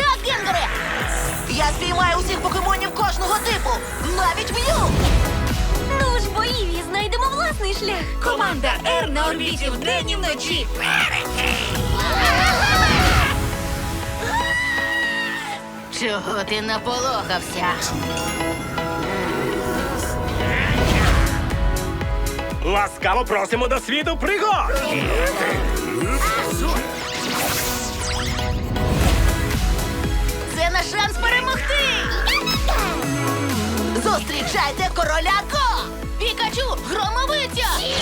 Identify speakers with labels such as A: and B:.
A: Так, Генгере! Я спіймаю усіх покемонів кожного типу, навіть М'ю!
B: Ну ж, бо Іві, знайдемо власний шлях.
C: Команда Р на орбіті вдень і вночі.
A: Чого ти наполохався?
D: Ласкаво просимо до світу пригод!
A: Це наш шанс перемогти! Зустрічайте короля Го! Пікачу, громовиця!